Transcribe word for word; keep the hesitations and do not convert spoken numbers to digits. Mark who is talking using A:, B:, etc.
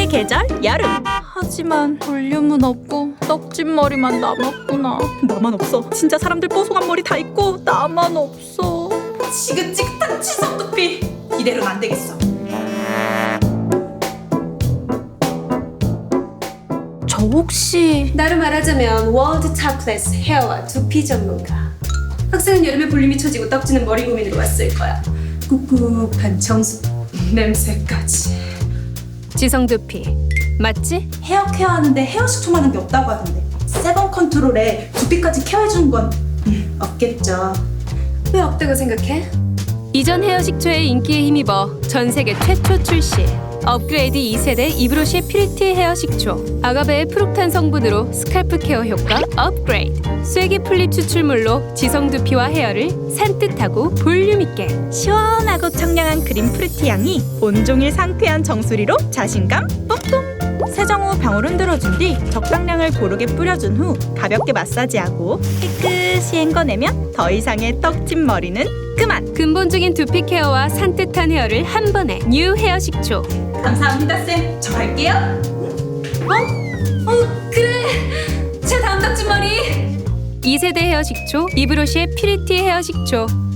A: 계절 여름. 하지만 볼륨은 없고 떡진 머리만 남았구나. 나만 없어. 진짜 사람들 뽀송한 머리 다 있고 나만 없어. 지긋지긋한 치석 두피. 이대로는 안 되겠어. 저 혹시
B: 나로 말하자면 월드 탑클래스 헤어와 두피 전문가. 학생은 여름에 볼륨이 처지고 떡지는 머리 고민으로 왔을 거야. 꿉꿉한 청수 냄새까지.
C: 지성 두피 맞지?
D: 헤어 케어하는데 헤어 식초만한 게 없다고 하던데 세번 컨트롤에 두피까지 케어해주는 건 음, 없겠죠.
B: 왜 없다고 생각해?
C: 이전 헤어 식초의 인기에 힘입어 전 세계 최초 출시 업그레이드 이 세대 이브로시 퓨리티 헤어 식초. 아가베의 프록탄 성분으로 스칼프 케어 효과 업그레이드. 쐐기 풀립 추출물로 지성 두피와 헤어를 산뜻하고 볼륨 있게.
A: 시원하고 청량한 그린 프루티 향이 온종일 상쾌한 정수리로 자신감 뿜뿜. 세정 후 병을 흔들어준 뒤 적당량을 고르게 뿌려준 후 가볍게 마사지하고 깨끗이 헹궈내면 더 이상의 떡진 머리는 그만.
C: 근본적인 두피 케어와 산뜻한 헤어를 한 번에 뉴 헤어 식초.
D: 감사합니다 쌤. 저 갈게요.
B: 어 그래. 제 다음 떡진 머리.
C: 이 세대 헤어 식초 이브로시의 퓨리티 헤어 식초.